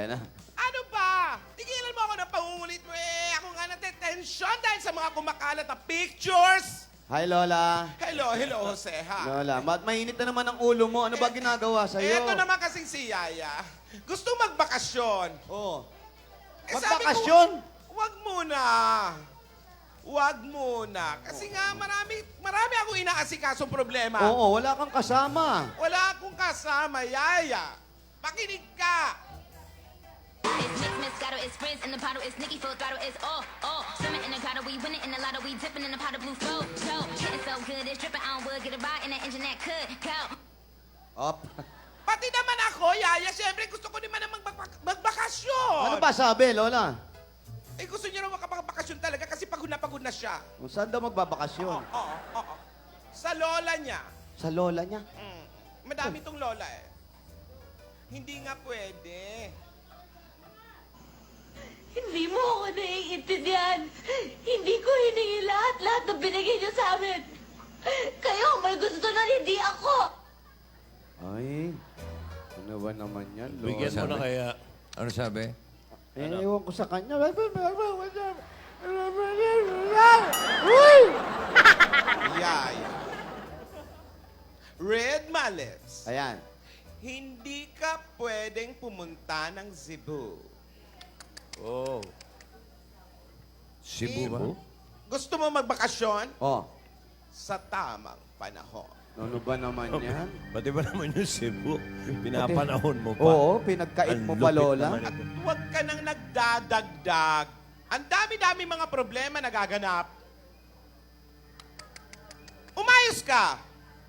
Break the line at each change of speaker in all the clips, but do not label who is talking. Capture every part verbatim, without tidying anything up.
na.
Ano ba? Tigilan mo ako ng pangungulit mo eh. Ako nga natetensyon dahil sa mga kumakalat na pictures.
Hi, Lola.
Hello, hello, Jose, ha?
Lola, mat mainit na naman ang ulo mo. Ano ba ginagawa sa'yo?
Eto naman kasing si Yaya. Gusto magbakasyon.
Oh.
Eh, sabi ko,
Magbakasyon?
Wag muna. Wag muna. Kasi nga marami, marami akong inaasikasong problema.
Oo, wala kang kasama.
Wala akong kasama, Yaya. Makinig ka.
It's mix, Moscato, it's Frizz, in the bottle, it's Nicki, full throttle, it's all, all. Swimming in the grotto, we winning in the lotto, we dipping in the pot of blue flow, flow. Getting so good, it's dripping on wood, get a ride in that engine that could go.
Op.
Pati naman ako, Yaya, siyempre gusto ko naman na magbak- magbakasyon.
Ano ba sabi, Lola?
Eh, gusto niya raw makapagbakasyon talaga kasi pagod na pagod na siya.
Kung saan daw magbabakasyon?
Oo, oo, oo. Sa lola niya.
Sa lola niya?
Mm. Madami tong lola eh. Hindi nga pwede.
Hindi mo ako naiintindihan. Hindi ko hiningi lahat-lahat ng binigay niyo sa amin. Kayo may gusto na hindi ako.
Ay, ano ba naman yan, Lola?
Bigyan mo na kaya.
Ano sabi?
Eh, ewan ko sa kanya. Uy!
Yaya. Red Malips.
Ayan.
Hindi ka pwedeng pumunta ng Cebu.
Oh.
Cebu ba?
Gusto mo magbakasyon?
Oh,
Sa tamang panahon.
ano ba naman yan?
Pati ba naman yung Cebu? Pinapanahon mo pa.
Oo, pinagkait
Ang
mo pa,
lupit
Lola.
naman
At
ito.
huwag ka nang nagdadagdag. Ang dami-dami mga problema nagaganap. Umayos ka!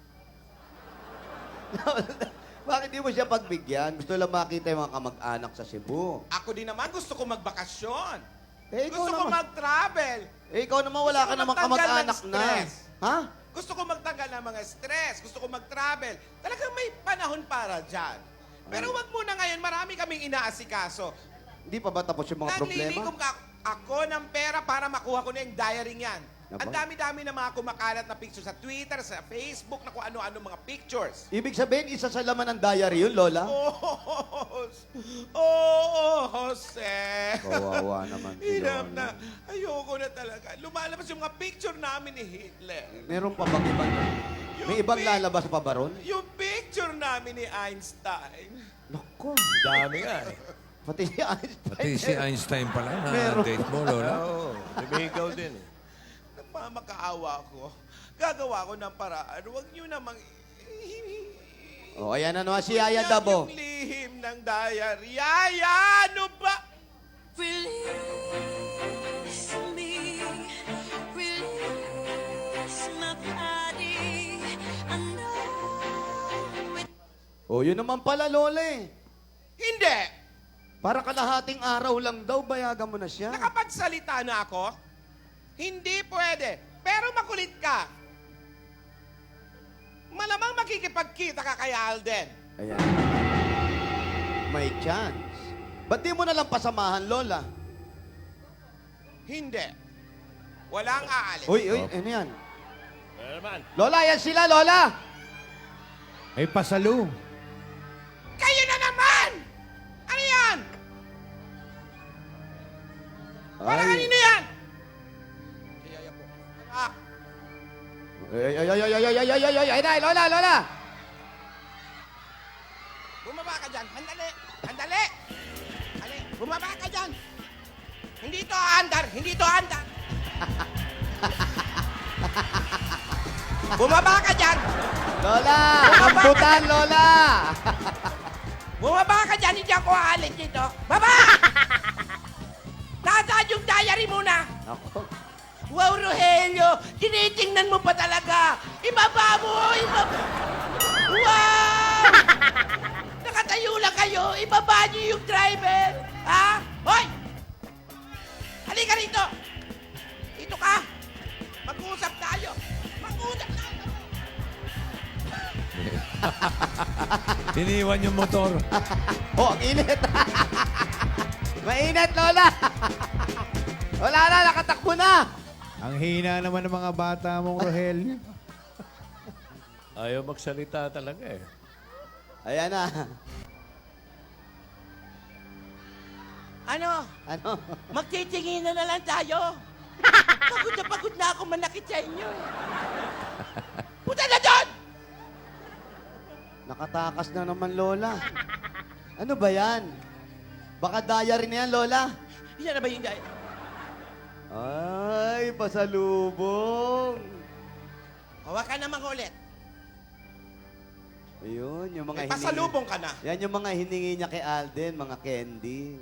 Bakit di mo siya pagbigyan? Gusto lang makita yung mga kamag-anak sa Cebu.
Ako din naman gusto ko magbakasyon.
Eh, ikaw
Gusto ko
naman.
mag-travel.
Eh, ikaw naman wala
Gusto
ka
ko
namang
magtanggal ng
kamag-anak na.
stress.
Ha?
Gusto ko magtanggal ng mga stress. Gusto ko mag-travel. Talagang may panahon para dyan. Pero wag muna ngayon, marami kaming inaasikaso.
Hindi pa ba tapos yung mga problema?
Naglilikom ka ako ng pera para makuha ko na yung diary niyan.
Aba.
Ang dami-dami na mga kumakalat na pictures sa Twitter, sa Facebook, na kung ano-ano mga pictures.
Ibig sabihin, isa sa laman ng diary yun, Lola?
Oh, oh, Jose.
Kawawa naman si
Hirap
Lola.
na. Ayoko na talaga. Lumalabas yung mga picture namin ni Hitler.
Meron pa bang ibang... May ibang lalabas pa ba ron?
Yung picture namin ni Einstein.
Naku,
Dami nga eh.
pati si Einstein.
Pati si Einstein pala na
Meron.
date mo, Lola.
Oo. Lumigaw din eh.
Nagmamakaawa ko. Gagawa ko ng paraan. Huwag niyo namang...
O, ayan na naman si
Huwag
Yaya
niya
Dabo.
Yung lihim ng diary. Yaya, ano ba?
Release me, release my body. I know it.
O, yun naman pala, Lola eh.
Hindi.
Para kalahating araw lang daw, bayagan mo na siya.
Nakapagsalita na ako? Hindi pwede. Pero makulit ka. Malamang makikipagkita ka kay Alden.
Ayan. May chance. Ba't di mo nalang pasamahan, Lola?
Hindi. Walang aalis.
Uy, uy, ano yan?
Ano naman?
Lola, yan sila, Lola!
Ay, pasalo.
Kayo na naman! Ano yan? Para kanino yan? Yaya po. Ah,
Ay, ay, ay, ay, ay, ay, ay, ay, ay, ay, ay, ay, Lola, Lola!
bumaba ka dyan. Handali. Handali. Handali. Bumaba ka dyan. Hindi to andar. Hindi to andar. Bumaba ka dyan.
Lola! Ambutan, Lola!
Bumaba ka dyan. Hindi ako aalis dito. Baba! Nasaan yung diary muna?
Ako.
Wow, Rogelio! Tinitingnan mo pa talaga! Ibaba mo! Ibaba! Wow! Nakatayo lang kayo! Ibaba niyo yung driver! Ha? Hoy! Halika rito! Dito ka! Mag-uusap tayo! Mag-uusap tayo!
Iniwan yung motor.
Oh, ang init! Mainit, Lola! Wala na, nakatakbo na!
Ang hina naman ng mga bata mong Rogelio.
Ayaw magsalita talaga eh.
Ayan na.
Ano?
Ano?
Magtitingin na na lang tayo. Pagod na pagod na ako manakit sa inyo. eh. Punta na doon!
Nakatakas na naman, Lola. Ano ba yan? Baka diary na yan, Lola.
Yan na ba yung gaya?
Ay, pasalubong.
Hawakan naman ulit.
Ayun, yung mga
May
hiningi.
pasalubong ka na.
Yan yung mga hiningi niya kay Alden, mga candy.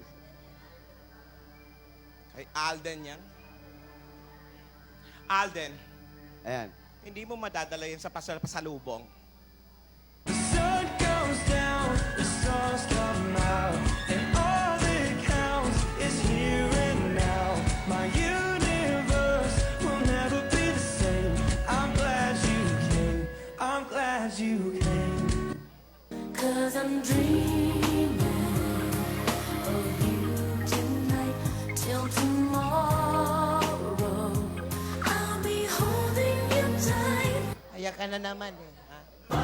Kay Alden yan. Alden,
Ayan.
hindi mo madadala yan sa pasal pasalubong.
sun goes down, the stars come out, and all that counts is here and now. My universe will never be the same. I'm glad you came. I'm glad you came.
Cause I'm dreaming of you tonight till tomorrow. I'll be holding you tight.
Ayan ka na naman eh. Ha?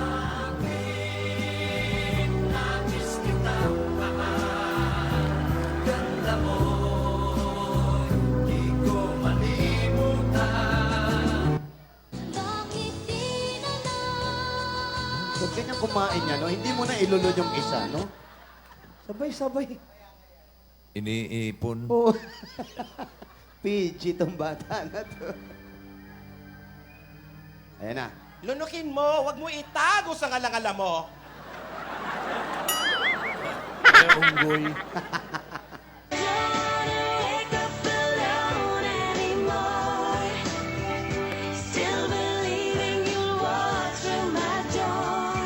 Bakit di na lang?
Huwag kanyang kumain niya, no? Hindi mo na ilulod yung isa, no? Sabay-sabay.
Iniipon.
Oo. P G tong bata na to. Ayan na.
Lunukin mo, wag mo itago sa ngalangala mo.
Kaya unggoy.
Wake up alone anymore. Still believing you'll walk through my door.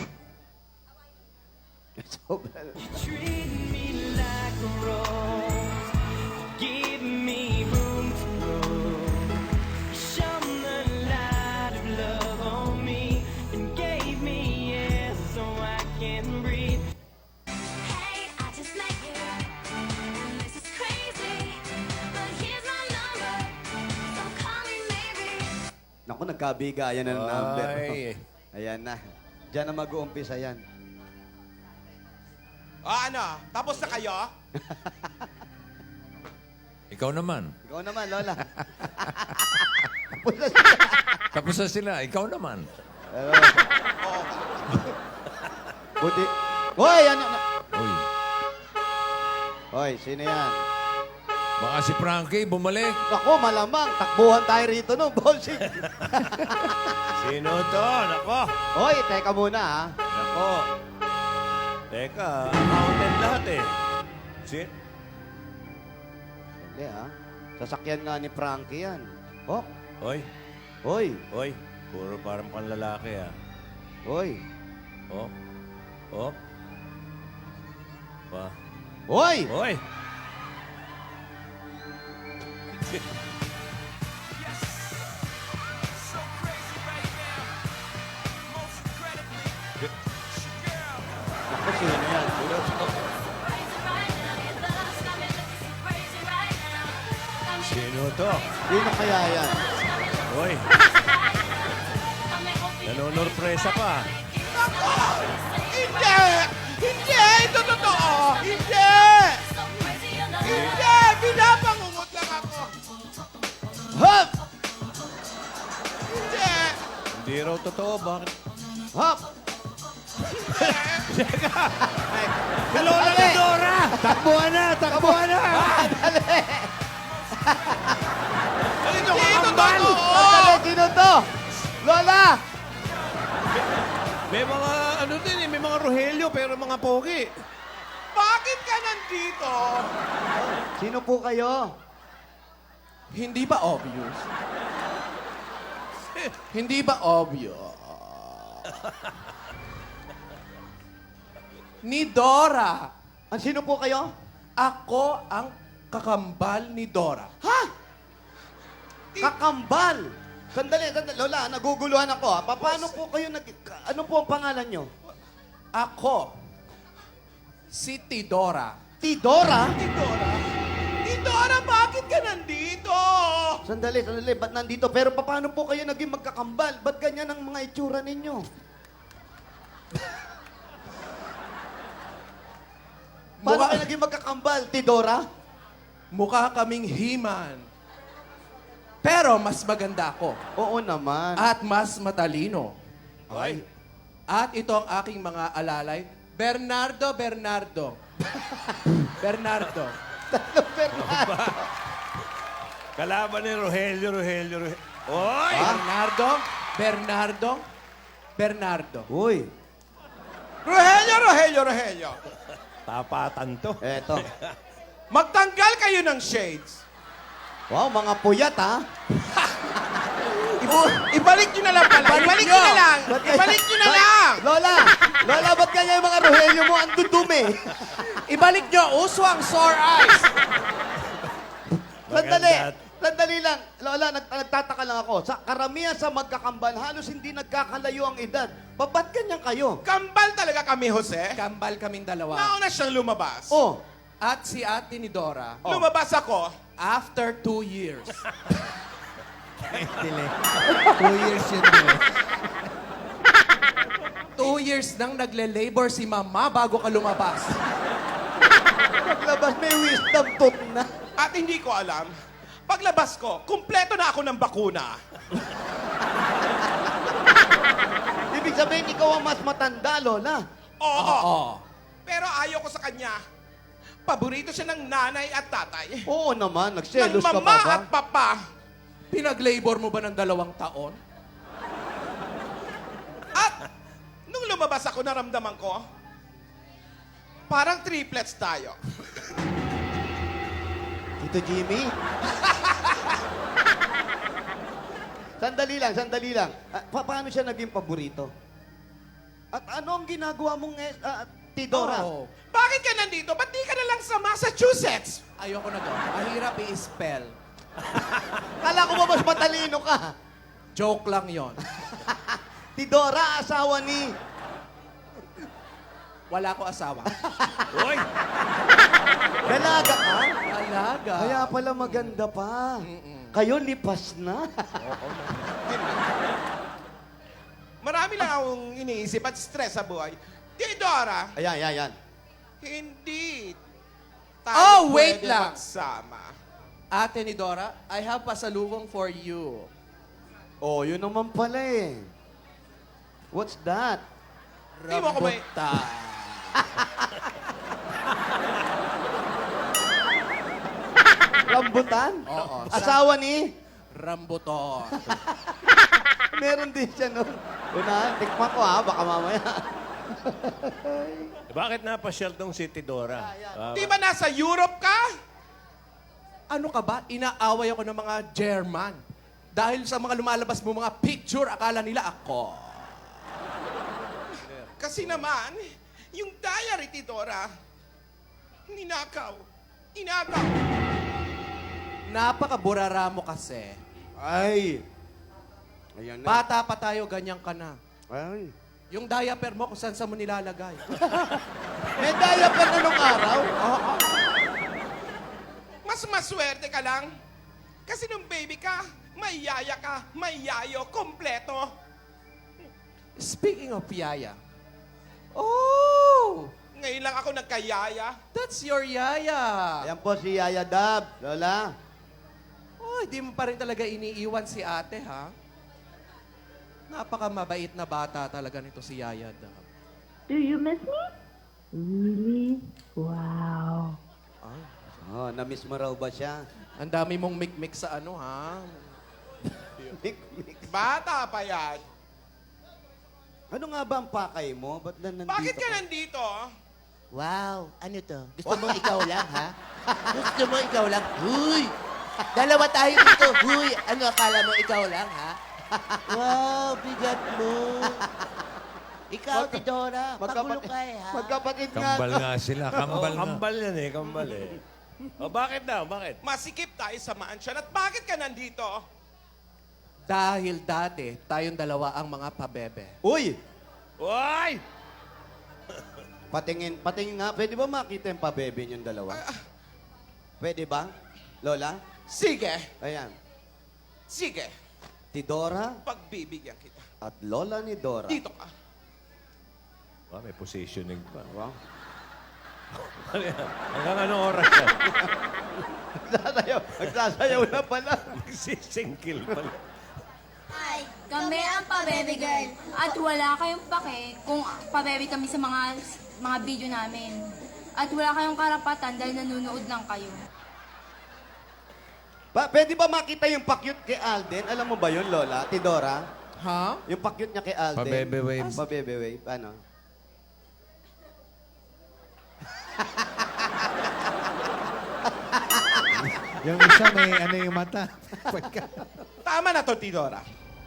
Sobra.
Treat me like a rose. Give me room to grow. Shone the light of love on me and gave me air so I can breathe.
Hey, I just met you. This is crazy, but here's my number. So call me maybe.
Naku, nagkabigayan na ng number.
Ay.
Ayan na. Diyan na mag-uumpisa yan.
Ah, ano? Tapos na kayo?
Ikaw naman.
Ikaw naman, Lola.
Tapos na sila. Ikaw naman.
Pero, buti. Hoy, ano? na-
Uy.
Hoy, sino yan?
Baka si Frankie bumalik.
Ako, malamang. Takbuhan tayo rito, no, bossing.
Sino to? Nako.
Hoy, teka muna, ha?
Nako. Teka, accountant lahat eh. Si
Hindi, ha? Sasakyan nga ni Frankie yan. Oh,
Oy,
hoy,
oy. Puro parang panlalaki ah.
hoy.
Oh. Oh. Pa.
Hoy!
Oy.
Ako, sino yan? Sino?
Sino to?
Sino kaya yan?
Oy. Nanonorpresa pa.
Hindi! Hindi! Ito totoo! Hindi! Hindi! Pinapangungot lang ako!
Hop!
Hindi!
Hindi raw totoo. Bakit?
Hop!
Lola na Dora! Takbuhan na! Takbuhan na!
Hindi ito totoo!
Sandali, sino to? Lola!
May mga ano din eh. May mga Rogelio pero mga pogi.
Bakit ka nandito?
Sino po kayo?
Hindi ba obvious? Hindi ba obvious? Ni Dora.
Ang sino po kayo?
Ako ang kakambal ni Dora.
Ha? Kakambal! Sandali, sandali. Lola, naguguluhan ako, ha? Pa- Paano po kayo nag... Ano po ang pangalan nyo?
Ako, si Tidora.
Tidora?
Tidora? Tidora, bakit ka nandito?
Sandali, sandali. Ba't nandito? Pero pa- paano po kayo naging magkakambal? Ba't ganyan ang mga itsura ninyo? Paano
Mukha-
kayo naging magkakambal, Tidora?
Mukha kaming He-Man. Pero mas maganda ako.
Oo naman.
At mas matalino.
Ay.
At ito ang aking mga alalay. Bernardo, Bernardo. Bernardo.
Kalaban ni Rogelio, Rogelio, Rogelio. Oy!
Bernardo, Bernardo, Bernardo.
Uy.
Rogelio, Rogelio, Rogelio.
Tapatan to.
Eto.
Magtanggal kayo ng shades.
Wow, mga puyat, ha?
I- ibalik nyo na lang pala. Ibalik nyo na lang.
Ba't kaya-
Ibalik nyo na
Ba't-
lang.
Lola! Lola, ba't kanya yung mga Rogelio mo ang dudumi?
Ibalik nyo. Uso ang sore eyes.
Sandali!
Maganda.
Sandali lang. Lola, nag nagtataka lang ako. Sa karamihan sa magkakambal, halos hindi nagkakalayo ang edad. Pa- Ba't ganyan kayo?
Kambal talaga kami, Jose. Kambal kaming dalawa. Nauna siyang lumabas.
Oh,
At si Ate ni Dora.
Oh.
Lumabas ako. After two years.
Dile. Two years yun, dile.
Two years nang nagle-labor si Mama bago ka lumabas.
paglabas may wisdom tooth na.
At hindi ko alam, paglabas ko, kumpleto na ako ng bakuna.
Ibig sabihin, ikaw ang mas matanda, Lola.
Oo. Pero ayaw ko sa kanya. Paborito siya ng nanay at tatay.
Oo naman,
Ng
nagselos ka pa
mama
ba?
at papa. Pinag-labor mo ba ng dalawang taon? At nung lumabas ako, naramdaman ko, parang triplets tayo.
Tito Jimmy? Sandali lang, sandali lang. Ah, pa- paano siya naging paborito? At ano ang ginagawa mong eh, ah, Tidora?
Oo. Bakit ka nandito? Ba't di ka na lang sa Massachusetts? Ayoko na doon. Mahirap i-spell.
Kala ko ba mas matalino ka?
Joke lang yon.
Tidora, asawa ni...
Wala ko asawa.
Oy!
Dalaga ka?
Alaga.
Kaya pala maganda pa. Kayo lipas na.
Marami lang akong iniisip at stress sa buhay. Tidora,
Ayan, ayan, ayan.
hindi
Oh,
tayo
wait
pwede
lang.
magsama.
Ate ni Dora, I have pasalubong for you.
Oh, yun naman pala eh. What's that?
Di mo ako may...
Rambutan?
Oo.
Asawa ni?
Rambuton.
Meron din siya nun. Una, tikman ko ha, baka mamaya.
Bakit napasyal tong si Tidora? Ah,
Di ba nasa Europe ka? Ano ka ba? Inaaway ako ng mga German. Dahil sa mga lumalabas mo mga picture, akala nila ako. Kasi naman, yung diary, Tidora, ninakaw. Inagaw. Napakaburara mo kasi.
Ay. Ayan na.
Bata pa tayo, ganyan ka na.
Ay.
Yung diaper mo, kung saan sa mo nilalagay.
May diaper na nung araw?
Mas maswerte ka lang. Kasi nung baby ka, may yaya ka, may yayo, kompleto. Speaking of yaya. Oh! Ngayon lang ako nagkayaya. That's your yaya.
Ayan po si Yaya Dab, Lola.
Oh, di mo pa rin talaga iniiwan si ate, ha? Napaka-mabait na bata talaga nito si Yaya Dab.
Do you miss me? Really? Wow.
Oh, na-miss mo raw ba siya?
Ang dami mong mik-mik sa ano, ha?
Mik, mik.
Bata pa yan.
Ano nga ba ang pakay mo? Ba't na nandito
Bakit ka nandito?
Wow, ano to? Gusto mo ikaw lang, ha? Gusto mo ikaw lang? Huy! Dalawa tayo dito. Huy! Ano akala mo ikaw lang, ha? Wow, bigat mo. Ikaw,
Magka-
Tidora, pagulo
magkapatid-
ka eh, ha?
Magkapatid nga.
Kambal nga sila,
oh,
kambal nga.
kambal yan eh, kambal eh. O bakit daw, bakit?
Masikip tayo sa mansion. At bakit ka nandito? Dahil dati, tayong dalawa ang mga pabebe.
Uy!
Oy!
Patingin, patingin nga. Pwede ba makita yung pabebe niyong dalawa? Pwede ba? Lola?
Sige,
Ayan.
sige.
Tidora
Pagbibigyan kita.
at Lola ni Dora.
Dito ka.
Ah, may positioning pa.
Wow.
Hanggang anong oras yan?
Nagsasayaw. Nagsasayaw na pala.
Magsisingkil pala.
Hi, kami ang Pa-Baby Girl. At wala kayong pake kung pa-baby kami sa mga mga video namin. At wala kayong karapatan dahil nanonood lang kayo.
Pa, pwede ba makita yung pakyut kay Alden? Alam mo ba yun, Lola? Tidora?
Ha?
Yung pakyut niya kay Alden.
Pa-bebe wave.
Pa-bebe wave. Ano?
Yung isa may ano yung mata. Pagka...
Tama na to, Tidora.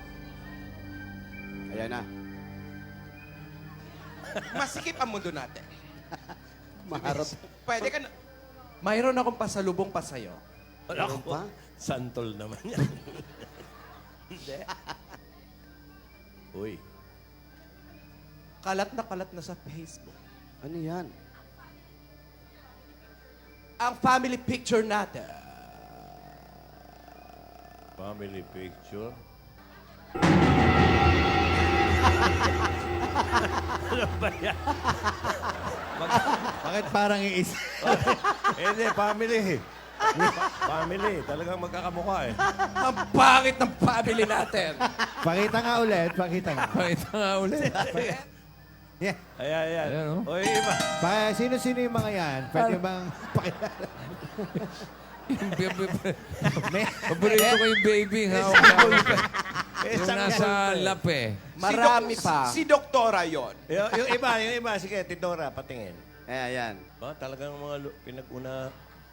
Ayan na.
Masikip ang mundo natin.
Maharap.
Pwede ka na...
Mayroon akong pasalubong pa sa'yo.
Meron pa?
Santol naman yan. Hindi. Uy.
Kalat na kalat na sa Facebook.
Ano yan?
Ang family picture natin.
Family picture. Ano ba yan?
Bakit parang iis?
Eh, hindi, family. Pa- family. Talagang magkakamukha eh.
Ang pangit ng family natin.
Pakita nga ulit, pakita nga.
Pakita nga ulit.
Yeah.
Ayan, ayan.
Ayan, oh.
O, yung iba.
Pa, sino-sino yung mga yan? Pwede bang pakilala? May,
Paborito ko yung baby. Ha?
Eh,
Yung
saan
nasa
yan?
lap eh.
Marami
si Dok-
pa.
Si Doktora yon.
Yung, yung iba, yung iba. Sige, Tidora, patingin.
Ayan, ayan.
Ba, talagang mga lu- pinag-una.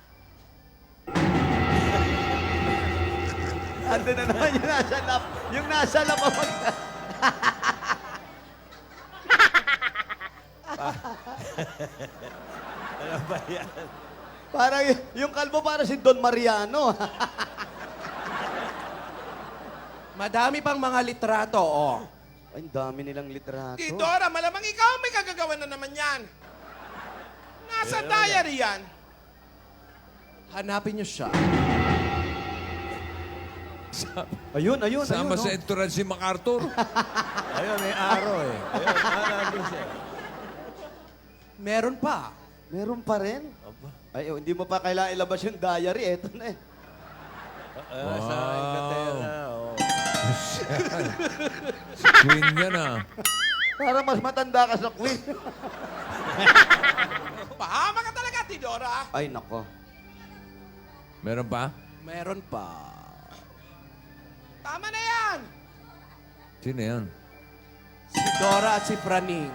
Ando na naman yung nasa lap. Yung nasa lap ang mag...
Ano ba yan?
Parang y- yung kalbo para si Don Mariano.
Madami pang mga litrato, oh.
Ay, ang dami nilang litrato.
Tidora, malamang ikaw ang may kagagawa na naman yan. Nasa diary yan.
Hanapin niyo siya.
Ayun, ayun,
Sama
ayun.
sa
oh.
entourage si MacArthur.
Ayun, may araw eh. Ayun, ah, nandun siya.
Meron pa.
Meron pa rin.
Aba.
Ay, oh, hindi mo pa kailangan ilabas yung diary. Eto na eh.
Ah, sa
Wow.
Inglaterra, oh.
Si Queen yan ah.
Para mas matanda ka sa queen.
Pahama ka talaga, Tidora.
Ay, nako.
Meron pa?
Meron pa.
Tama na yan.
Sino yan?
Si Dora at si Praning.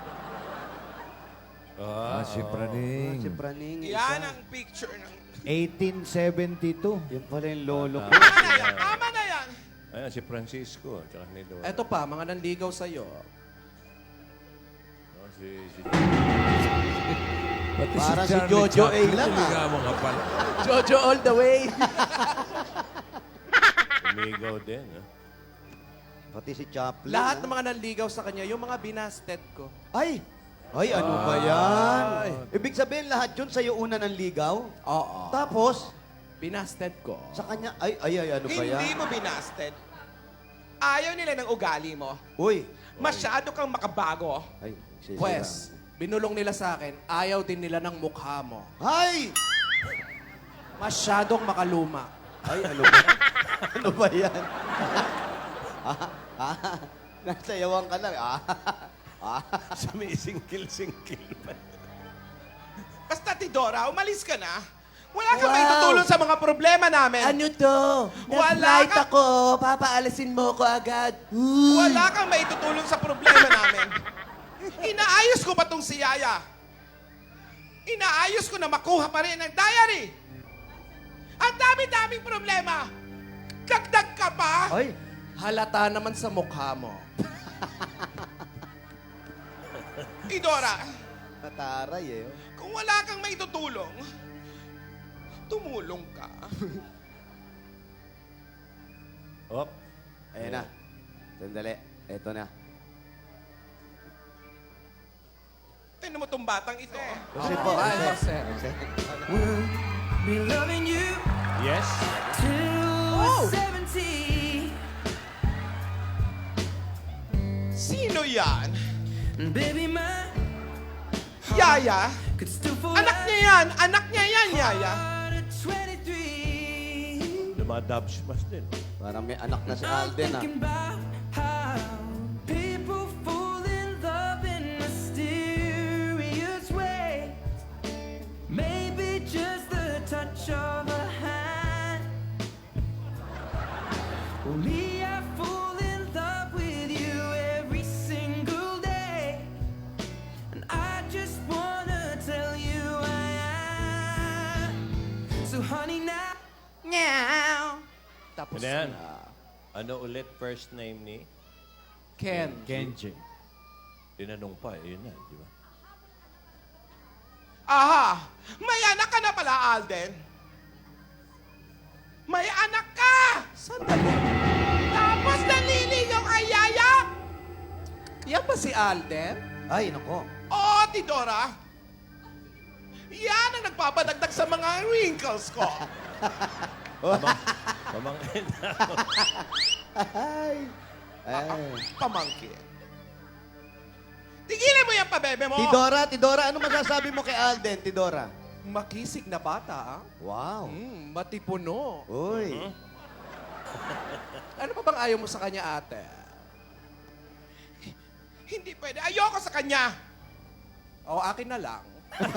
Ah, si
Si
Praning.
Praning.
Yan
isa.
ang picture ng...
eighteen seventy-two.
Yan pala yung lolo ko.
Tama na yan. Tama na yan.
Ayan, si Francisco. Tsaka ni Dora.
Eto pa, mga nanligaw sa'yo.
Oh, si, si...
Pati
Para si
Charlie
Jojo A
Chaplin,
lang, ah.
niligawan ka pala.
Jojo all the way.
Umigaw din, ah.
Pati si Chaplin.
Lahat
ah.
ng mga nanligaw sa kanya, yung mga binasted ko.
Ay! Ay, ano ba yan? Ibig sabihin lahat yun sa'yo una ng ligaw?
Oo.
Tapos,
Binasted ko.
sa kanya, ay, ay, ay, ano ba
Hindi
yan?
mo binasted. Ayaw nila ng ugali mo.
Uy!
Masyado kang makabago.
Ay, sisira.
Pwes, binulong nila sa akin, ayaw din nila ng mukha mo.
Ay!
Masyadong makaluma.
Ay, ano ba? ano ba yan? ah, ah, nasayawan ka lang. Ah, ah.
Sumisingkil-singkil pa.
Basta, Tidora, umalis ka na. Wala kang
Wow.
may tutulong sa mga problema namin.
Ano to?
Wala
Nag-flight
ka-
ako. Papaalisin mo ko agad. Uy.
Wala kang may tutulong sa problema namin. Inaayos ko pa tong si Yaya. Inaayos ko na makuha pa rin ang diary. Ang dami-daming problema. Dagdag ka pa.
Ay!
Halata naman sa mukha mo.
Idora,
Nataray eh. oh.
kung wala kang may tutulong, tumulong ka.
Op.
Ayan na. Sandali. Eto na.
Tingnan mo tong batang ito.
Kasi po,
Ay,
kasi,
Jose.
Be loving you
Yes.
till seventy.
Sino yan?
Baby, my
Yaya?
could still fall
Anak niya yan! Anak niya yan, Yaya!
at twenty-three.
Dumadabsmas din.
Parang may anak na si
I'm
Alden, ah.
thinking about how people fall in love in mysterious ways. Maybe just the touch of a hand. Well, me, I fall in love with you every single day. And I just wanna tell you I am. So honey now.
Meow! Tapos
Ano yan?
na.
Ano ulit first name ni?
Ken.
Kenji.
Tinanong pa, yun na, di ba?
Aha! May anak ka na pala, Alden. May anak ka! Sandali. Tapos naliligaw kay Yaya?
Yan ba si Alden?
Ay, nako.
Oo, Tidora. Yan ang nagpapadagdag sa mga wrinkles ko.
Pamangkin na.
Ay. Ay.
Pamangkin. Tigilan mo yan, pabebe mo.
Tidora, Tidora, ano masasabi mo kay Alden, Tidora?
Makisig na bata, ah.
Wow.
Hmm, matipuno.
Uy.
Ano pa bang ayaw mo sa kanya, ate?
Hindi pwede. Ayoko sa kanya.
O, akin na lang.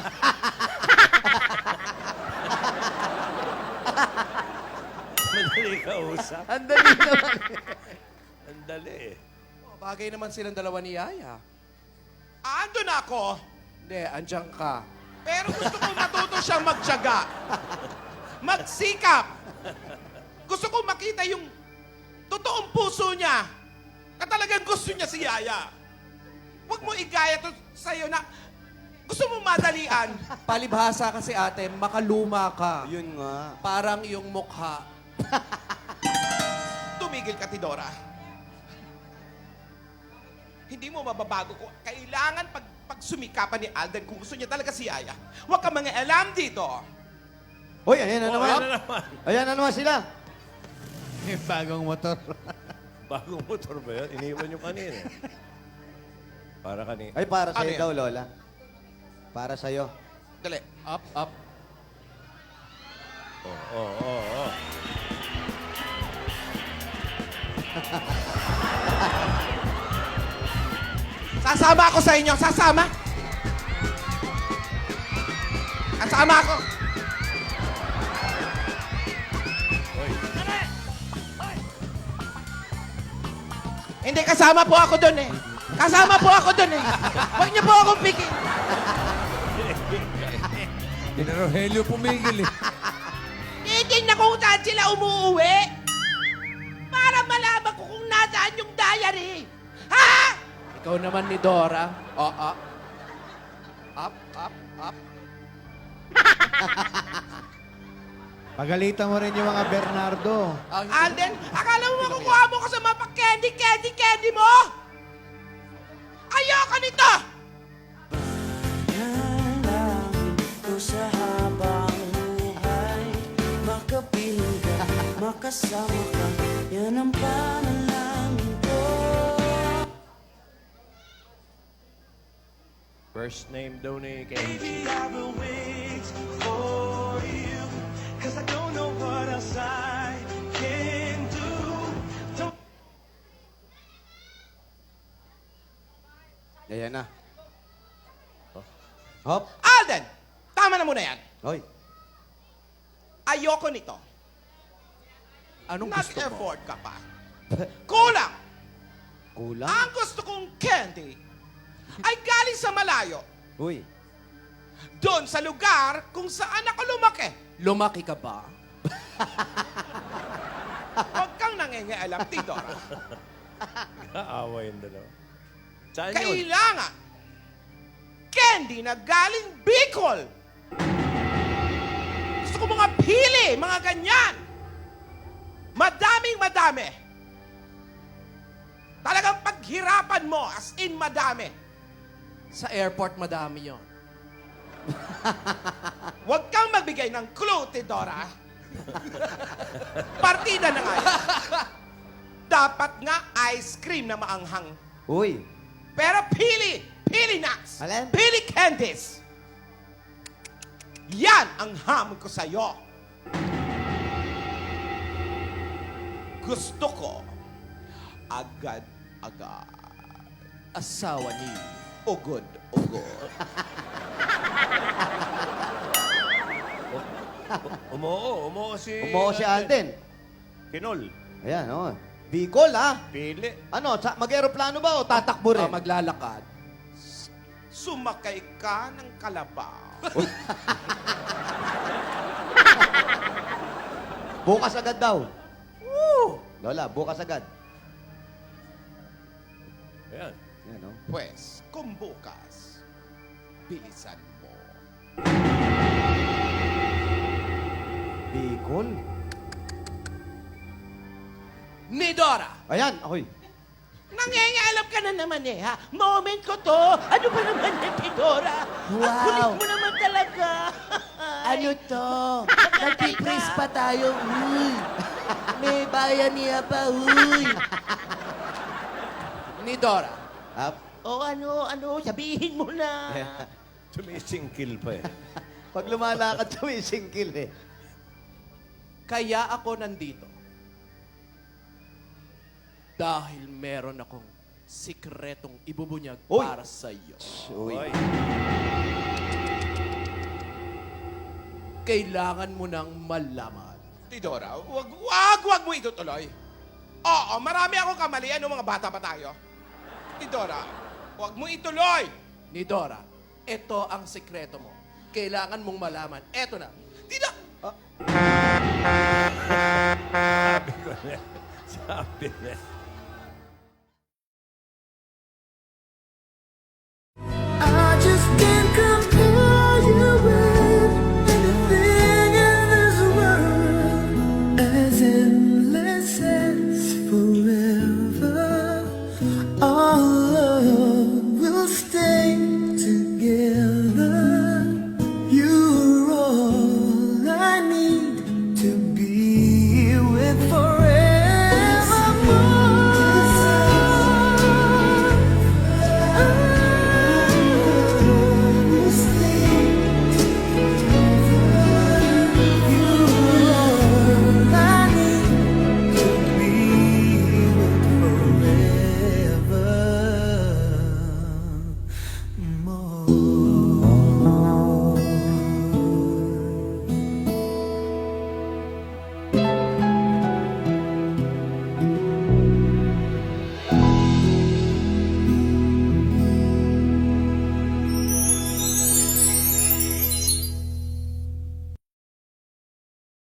Madali ka usap.
Ang dali naman.
Ang dali eh.
O, bagay naman silang dalawa ni Yaya.
Ando na ako.
Hindi, andyan ka.
Pero gusto ko matuto siyang magtiyaga. Magsikap. Gusto ko makita yung totoong puso niya. Na talagang gusto niya si Yaya. Huwag mo igaya to sa'yo na gusto mo madalian.
Palibhasa kasi, ate, makaluma ka.
Yun nga.
Parang yung mukha.
Tumigil ka, Tidora. Hindi mo mababago ko. Kailangan pag, pag sumikapan ni Alden kung gusto niya talaga si Yaya. Huwag ka mga alam dito.
Uy, ayan na
Oh,
naman.
ayan na naman.
Ayan na naman sila.
Yung bagong motor.
Bagong motor ba yun? Iniwan yung kanina. Para kanina.
Ay, para
Ano
sa'yo
yan?
daw, Lola. Para sa'yo.
Dali.
Up, up.
Oo, oo, oo. Oh.
Sasama ako sa inyo. Sasama. Sasama ako. Hindi, kasama po ako doon eh. Kasama po ako doon eh. Huwag niyo po akong pigil.
Hindi na Rogelio pumigil eh.
Titignan ko kung saan sila umuuwi. Para malaman ko kung nasaan yung diary. Ha?
Ikaw naman ni Dora. O, up. Up, up, up.
Pagalitan mo rin yung mga Bernardo.
Ang-
Alden, akala mo makukuha mo ko sa mga pa-candy, candy, candy mo? Ayoko nito!
Nalangin ko sa habang buhay. Makapiling ka, makasama ka. Yan ang panalangin ko.
First name daw ni Kenji.
Baby, I will wait for you. Cause I don't know what else I can do. Don't
Ayan na. Hop.
Alden, tama na muna yan.
Hoy.
Ayoko nito.
Anong gusto mo?
Nag-effort ka pa. Kulang.
Kulang.
Ang gusto kong candy ay galing sa malayo.
Uy.
Doon sa lugar kung saan ako lumaki.
Lumaki ka ba?
Huwag kang nangingialam, Tidora.
Kaaway yung dalawa. Saan yun?
Kailangan candy na galing Bicol. Gusto ko mga pili, mga ganyan. Madaming madami. Talagang paghirapan mo, as in madami.
Sa airport, madami yon.
Huwag kang magbigay ng clue, Tidora. Partida na nga yan. Dapat nga ice cream na maanghang.
Uy.
Pero pili! pili nuts,
Alin?
pili candies. Yan ang hamon ko sa'yo. Gusto ko agad-agad.
Asawa ni...
Ugod-ugod.
Umoo, umoo si...
Umuo si Alden.
Kinol.
Ayan, oh. Bicol, ha?
Pili.
Ano, sa, mag-aeroplano ba o tatakbo rin?
Ah, maglalakad.
Sumakay ka ng kalabaw.
Bukas agad daw.
Woo!
Lola, bukas agad.
Ayan.
Yan, oh.
Pwes, kung bukas, bilisan mo.
Bicol?
Ni Dora!
Ayan, ako'y.
Nangyayalap ka na naman eh, ha? Moment ko to. Ano ba naman yan, Tidora? Ang
Wow.
kulit mo naman talaga.
Ano to? Nagpipris pa tayo, huy. May bayan niya pa, huy.
Ni Dora.
Up.
O ano, ano, sabihin mo na.
Sumisingkil pa eh.
Pag lumalakad, sumisingkil eh.
Kaya ako nandito. Dahil meron akong sikretong ibubunyag
Uy!
para sa iyo.
Uy.
Kailangan mo nang malaman.
Tidora, wag, wag, wag mo itutuloy. Oo, marami akong kamali. Ano, mga bata pa tayo? Tidora, wag mo ituloy.
Ni Dora, ito ang sikreto mo. Kailangan mong malaman. Eto na.
Tida,
Sabi ko na. Sabi na.